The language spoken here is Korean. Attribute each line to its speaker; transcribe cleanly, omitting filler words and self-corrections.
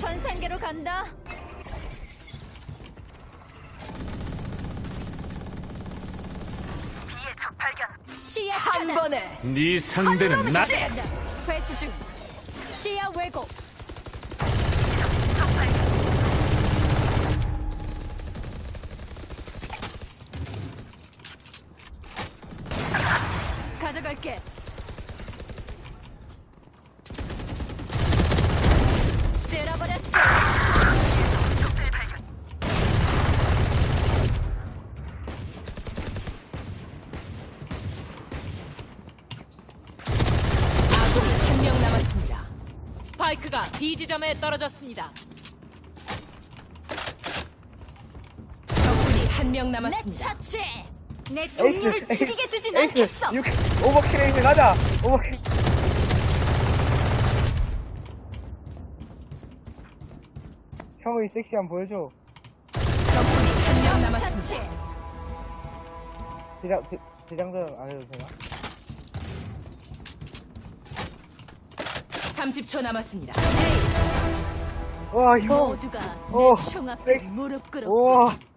Speaker 1: 천상계로 간다. 시야
Speaker 2: 한
Speaker 1: 차단.
Speaker 2: 번에
Speaker 3: 네 상대는 나.
Speaker 1: 회수 중. 시야 왜곡. 가져갈게. 쓸어버렸지.
Speaker 2: 아군이 한 명 남았습니다. 스파이크가 B 지점에 떨어졌습니다. 적군이 한 명
Speaker 1: 내
Speaker 2: 남았습니다.
Speaker 1: 차치. 내 동료를 죽이게 두진 않겠어.
Speaker 4: 오버킬 에이스 가자. 오버킬. 형의 섹시함 보여줘.
Speaker 2: 적군이 한 명 남았습니다.
Speaker 1: 차치.
Speaker 4: 대장전 안 해도 되나?
Speaker 2: 30초 남았습니다.
Speaker 4: 와 형.
Speaker 1: 모두가
Speaker 4: 어,
Speaker 1: 내 총앞에
Speaker 4: 섹시.
Speaker 1: 무릎 꿇어.
Speaker 4: 우와.